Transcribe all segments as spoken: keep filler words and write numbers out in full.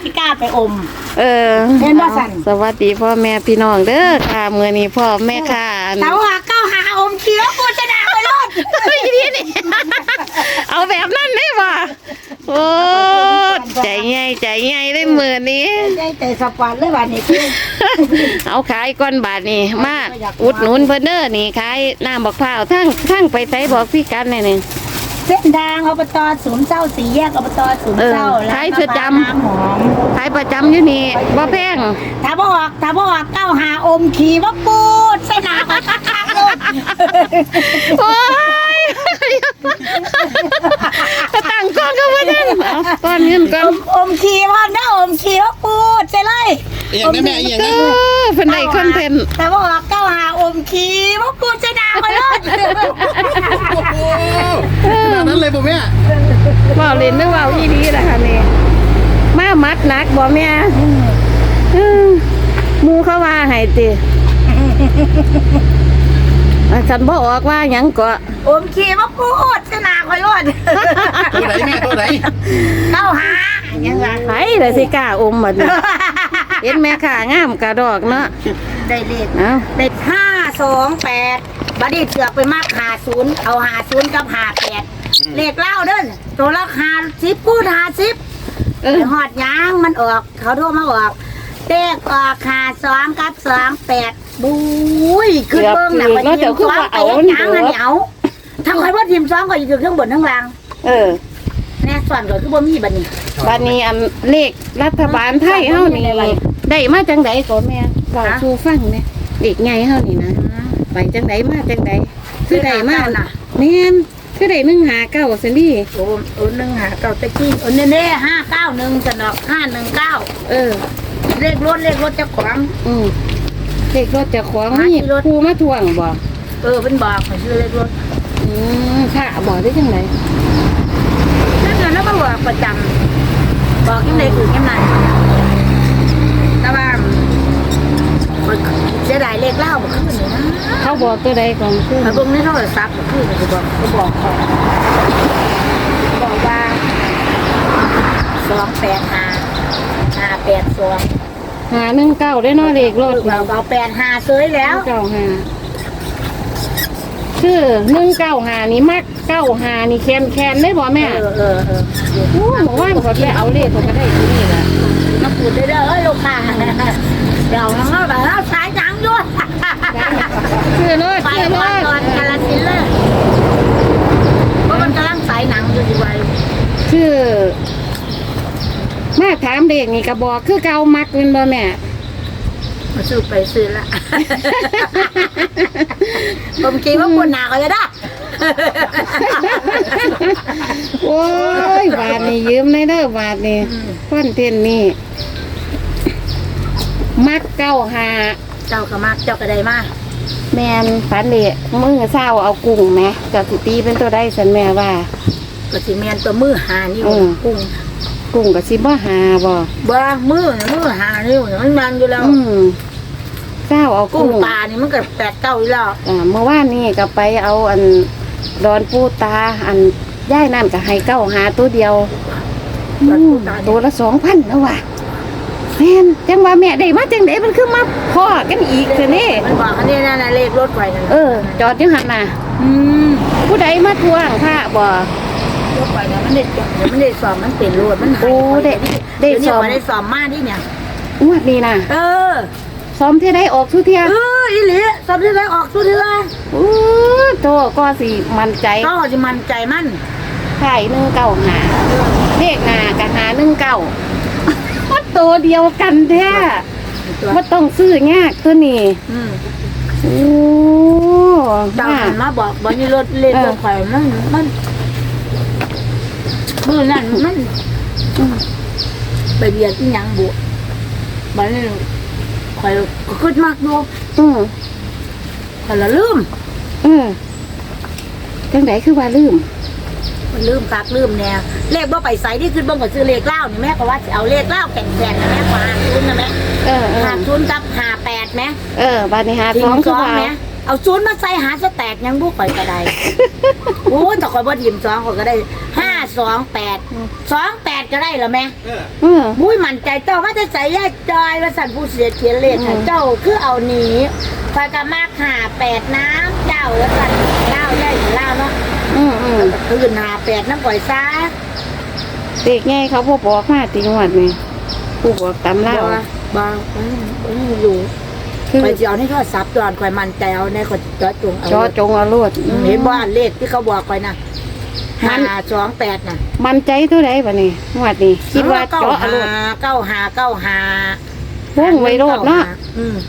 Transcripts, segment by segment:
สิกล้าไปอมเออเห็นบ่สั่นสวัสดีพ่อแม่พี่น้องเด้อค่ะมื้อนี้พ่อแม่ค่ะเสาหาเก้าหาอมเขียวกูจะด่าไปรอดนี่นี่เอาแบบนั้นได้บ่โอ้ใจใหญ่ใจใหญ่ได้มื้อนี้ใจแต่สปอนเลยบาดนี้คือเอาขายก้อนบาทนี่มาอุดหนุนเพิ่นเด้อนี่ขายน้ำบักพร้าวทั้งทั้งไปไสบอกพี่กันแน่นี่เส้นทางอบตศูนย์เจ้าสี่แยกอบตศูนย์เจ้าแล้วขายประจำขายประจำอยู่นี่บ่แพงถ้าบ่ออกถ้าบ่ออกเก้าหาอมขี่ว่าปูดใส่หน้าไปคักๆเลยโอ้ยตั้งก้อนก็บ่ได้ก้อนเงินก้อนอมขี่พ่อเด้ออมขี่ว่าปูดใส่เลยอีหยังแม่อีหยังนะเพิ่นได้คอนเทนต์แต่บ่ออกเก้าหาอมขี่ว่าปูดใส่หน้าไปเลยนั่นเลยบ่แม่ว่าเล่นนึกว่าอีดีล่ะค่ะนี่มามัดหนักบ่แม่หมู่เขาว่าให้ติฉันบ่ออกว่าหยังก็อมขี่ว่าปูดใส่หน้าไปเลยตัวไหนแม่ตัวไหนเก้าหายังไงไผล่ะสิกล้าอมบัดนี้เห็นแม่ค่ะงามกระดอกเนาะได้เลขได้ห้าสองแปดบัดนี้เสือกไปมากหาศูนย์เอาหาศูนย์กับหาแปดเลขเล่าเด้อตัวละหาสิบพูดหาสิบเออหอดยางมันออกเขาโทรมาออกเลขออกหาสองกับสองแปดบุ้ยขึ้นเบิ้งหนักไปทีมสองไปยางอันเหนียวทำใครว่าทีมสองก็อยู่เครื่องบนทั้งล่างเออแน่ส่วนก็คือบ่มีบัดนี้บัดนี้อันเลขรัฐบาลไทยเฮานี่ได้มาจังไดก่อนแม่บอกชูฟังเนี่ยเด็กไงเฮานี่นะไปจังไดมาจังไดคือได้มาน่ะแม่นคือได้หนึ่งหาเก้าซั่นดิโอ้โอ้หนึ่งหาเก้าตะกี้โอ้เน่ๆห้าเก้าหนึ่งสนอกห้าหนึ่งเก้าเออเลขรถเลขรถเจ้าของอืมเลขรถเจ้าของนี่ครูมาทวงบ่เออเพิ่นบอกให้ซื้อเลขรถอืมค่ะบอกได้จังไดนั่นน่ะแล้วมาบอกประจำบอกยังไงคือยังไงแต่ว่าเสียดายเลขเล่าบ่ขึ้นเลยนะเขาบอกตัวใดก่อนคือเขาเบิ่งในโทรศัพท์บ่ขึ้นเขาบอกเขาบอกเขาบอกว่าสองแปดห้าห้าแปดสองหาหนึ่งเก้าได้เนาะเลขรถเราเอาแปดห้าซื้อแล้วเก้าห้าคือหนึ่งเก้าห้านี่มักเก้าห้านี่แคนแคนได้บ่แม่เออเออเออโอ้หนูว่าเขาจะเอาเลขเขาก็ได้ที่นี่แหละมาพูดได้เด้อลูกค้าเดี๋ยวน้องเราแบบเราสายหนังด้วยคือรถไปก่อนก่อนกาลสินเลยเพราะมันกำลังสายหนังอยู่ดีไว้คือมาถามเด็กนี่กระบอกคือเกามักเป็นบ่แม่มาซื้อไปซื้อละผมคิดว่าคนหนาก็จะได้โอ้ยบาทนี่ยืมในเด้อบาทนี่คอนเทนต์นี่มักเก้าหาเจ้าก็มักเจ้าก็ได้มาแมนฝันเละมือเศร้าเอากุ้งไหมกับสิตีเป็นตัวได้สันแม่ว่าก็สิแมนตัวมือหานี่กุ้งกุ้งกับสิบ่หาบ่บ่มือมือหานี่มันมันอยู่แล้วเศร้าเอากุ้งปลานี่มันก็แปดเก้าอยู่แล้วอ่าเมื่อวานนี่ก็ไปเอาอันดอนปูตาอันย่ายนั่นก็ให้เก้าหาตัวเดียวตัวละสองพันแล้วว่ะแม่นจังว่าแม่ได้มาจังไดมันคือมาพ่อกันอีกคือนี่มันบอกอันนี้นั่นน่ะเลขรถไว้นั่นเออจอดอยู่หั่นน่ะอืมผู้ใดมาทวงพระบ่รถไว้น่ะมันได้เดี๋ยวมันได้สอบมันเป็นรถมันโอ้ได้ได้สอบได้สอบมาดิเนี่ยงวดนี้น่ะเออซ้อมเท่าใดออกทุเที่ยเอออีหลีซ้อมเท่าใดออกทุเที่ยโอ้โตก็สิมั่นใจก็สิมั่นใจมั่นไข่หนึ่งเก้าหาเลขหน้าก็หาหนึ่งเก้าตัวเดียวกันแท้ว่าต้องซื้อยากตัวนี้โอ้ดาวหันมาบอกบอกนี่รถเล่นรถไฟมันมันมือนั่นมันไปเบียดที่ยังบุบ้านนี่ไฟก็ขึ้นมากดูแต่ละลืมจังไหนคือว่าลืมลืมคักลืมแนวเลขบ่ไปใส่ที่ขึ้นบ่ก็ซื้อเลขเล่านี่แม่ก็ว่าจะเอาเลขเล่าแข่งๆนะแม่กว่าชุนนะแม่เออหาชุนกับหาแปดไหมเออบานิหาสองคือว่าเอาชุนมาใส่หาสแตกยังบุกไปก็ได้โอ้แต่คอยบ่ทีมสองคนก็ได้ห้าสองแปดสองแปดก็ได้เหรอแม่เออเออมุ้ยมั่นใจเจ้าว่าจะใส่แย่จอยว่าสันผู้เสียเขียนเลขค่ะเจ้าคือเอาหนีคอยกะมากหาแปดน้ำเจ้าแล้วสันเล่าได้เล่าเนาะอืมอืมตื่นหาแปดน้ำก่อยซ้าเด็กไงเขาบ่บอกมาติงวัดนี่ผู้บอกตำเล่าบางอยู่คือไปจะเอาให้ทอดซับตอนคอยมันใจเอาในคนจอจงเอาจอจงเอาโลดเห็นบ้านเลขที่เขาบอกคอยนะห้าสองแปดน่ะมันใจเท่าไหร่บัดนี้งวดนี้คิดว่าเก้าเจาะเอาหาโลดเก้าหาเก้าหาพุ่งไว้โลดเนาะอืม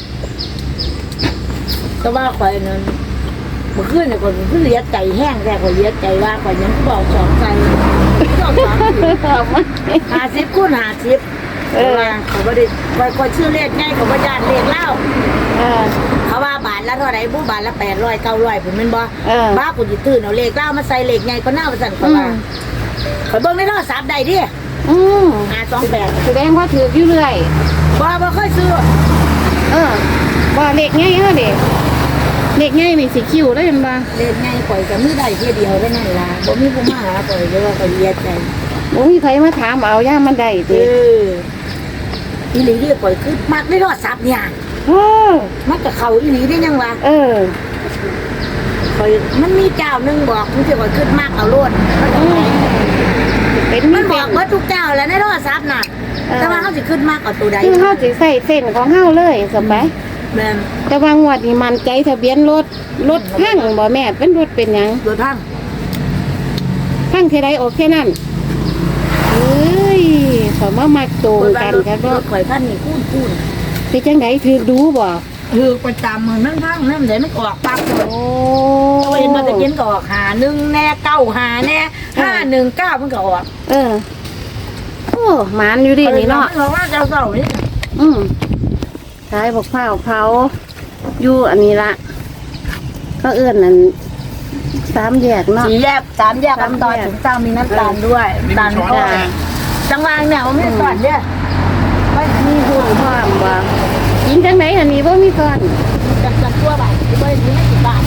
แต่ว่าคอยนั้นเมื่อคืนเนี่ยคนคือเลียใจแห้งแต่คนเลียใจว่าคอยยังบอกสองใจสองสองหาสิบคูณหาสิบเออเขาไม่ได้คอยคอยชื่อเลขง่ายเขาไม่ยานเลขเล่าเออเขาว่าบาทละเท่าไหร่บูบาทละแปดร้อยเก้าร้อยผมเป็นบ่เออบ้ากูจะตื่นเอาเลขเล่ามาใส่เลขง่ายก็น่าประสันเขาว่าเขาเบิ่งในโทรศัพท์ได้ดิอืมหาสองแปดแสดงว่าถืออยู่เรื่อยบ่บ่ค่อยซื้อเออบ่เล็กง่ายเฮาเด็กเล็กง่ายนี่สิคิวได้เห็นบ่เลขง่ายปล่อยกับมือได้เพียเดียวได้นั่นล่ะบ่มีผู้มาหาปล่อยเดี๋ยวว่าเขาเลียใจบ่มีใครมาถามเอาย่ามมันได้เอติออีหลีเรียกปล่อยคือมักในโทรศัพท์เนี่ยโอ้มันก็เข้าอีหลีได้ยังวะเออคอยมันมีเจ้าหนึงบอกมันจะปล่อยขึ้นมากเอาโลดเป็นมัมัน นบเป็อน กว่าทุกเจ้าแล้วในโทรศัพท์น่ะเออแต่ว่าเขาสิขึ้นมากเอาตัวใดคือเฮาสิใส่เส้นของเฮาเลยสบายแม่นแต่ว่างวดนี้มันใจทะเบียนรถรถพังบ่แม่เป็นรถเป็นหยังโดยทั้งพังเท่าใดโอเคนั่นเอ้ยขอมามักโตกันครับรว่าถข่อยพันนี่คูนคูนเป็นจังไดถือดูบ่คือประจำมันนั่งทั้งนั่นเดี๋ยวมันออกปั๊บโอ้เราเห็นมาตะเกียนก็ออกหาหนึ่งแน่เก้าหาแน่ห้าหนึ่งเก้ามันก็ออกเออโอ้หมานอยู่ดินี่เนาะเพราะว่าเจ้าเก่านี่อืมขายบอกเผาเผาอยู่อันนี้ละก็เอื้อนนั่นสามแยกเนาะสีแยกสามแยกน้ำตาลถึงเจ้ามีน้ำตาลด้วยน้ำตาลก็จังหวะเนี่ยมันไม่ตอนเนี่ยไม่มีหุ่นพร้อมบ่กินจังไหนอันนี้บ่มีก่อนจังจังตัวบาทที่ไม่ถึงไม่กี่บาท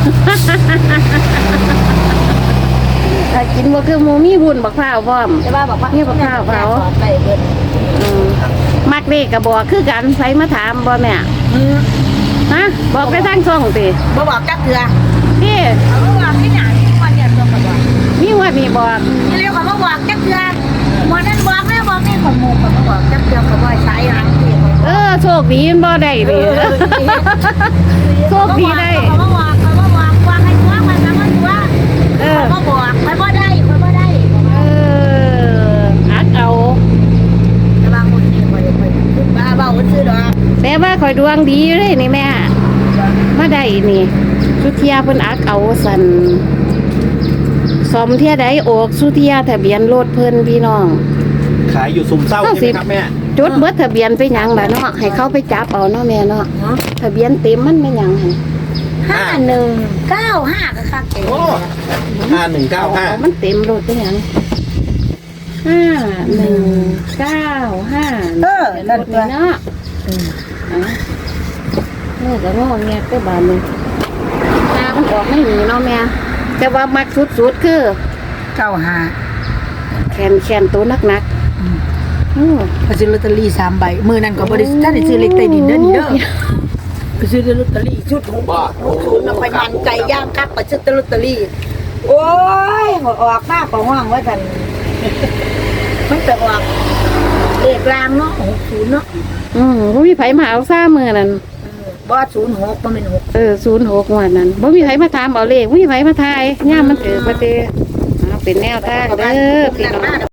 ถ้ากินบ่คือหมูมีหุ่นบักเผาพร้อมใช่ป่ะบอกว่าไปเบิดอืมมักเลขก็บอกคือกันไผมาถามบ่แม่ฮะบอกไปทางช่องติบ่บอกจักเถื่อนี่เขาบอกที่ไหนวันเนี่ยตัวกระบอกมีว่านี่บอกนี่เรียกเขาบอกจักเถื่อวันนั้นบอกแล้วบอกนี่ของหมูเขาบอกจักเถื่อเขาบอกสายหางเถื่อเออโชคดีมันบ่ได้ดิโชคดีได้เขาบอกเขาบอกวางให้ตัวมันนะมันตัวเออเขาบอกมันบ่ได้มันบ่ได้เอออัดเอาแต่บางคนนี่คอยคอยบ้าเบาซื้อดอกแต่ว่าข่อยดวงดีอยู่เลยนี่แม่มาได้นี่สุเทียเพิ่นอักเอาสันสมเทียใดออกสุเทียทะเบียนรถเพิ่นพี่น้องขายอยู่ซุมเศร้าใช่ไหมครับแม่จดเบิดทะเบียนไปหยังล่ะเนาะให้เขาไปจับเอาเนาะแม่เนาะทะเบียนเต็มมันเป็นหยังหั่นห้าหนึ่งเก้าห้าก็คักเองโอ้ห้าหนึ่งเก้าห้าอมันเต็มรถเป็นหยังห้าหนึ่งเก้าห้าเออนั่นรถตัวนี่เนาะเอาเลิกแล้วงอแงก็บานเลยตามันออกไม่หนีเนาะแม่แต่ว่ามักสุดๆคือเก้าห้าแขนแขนตัวนักๆอือไปซื้อลอตเตอรี่สามใบมือนั่นก็บริษัทท่านได้ซื้อเล็กใต้ดินเด้อนี่เด้อไปซื้อลอตเตอรี่ชุดหกหกศูนย์มาไปมันใจย่างคักไปซื้อลอตเตอรี่โอ้ยออกมากกว่าห้องว่าท่านมันจะออกเลขรางเนาะหกศูนย์เนาะอืมบ่มีไผมาเอาซ่ามือนั่นบ่ศูนย์หกมันเป็นหกเออศูนย์หกงวดนั้นบ่มีไผมาถามเอาเลขบ่มีไผมาทายย่ามมันเกิดประเดเอาเป็นแนวทางเด้อพี่น้อง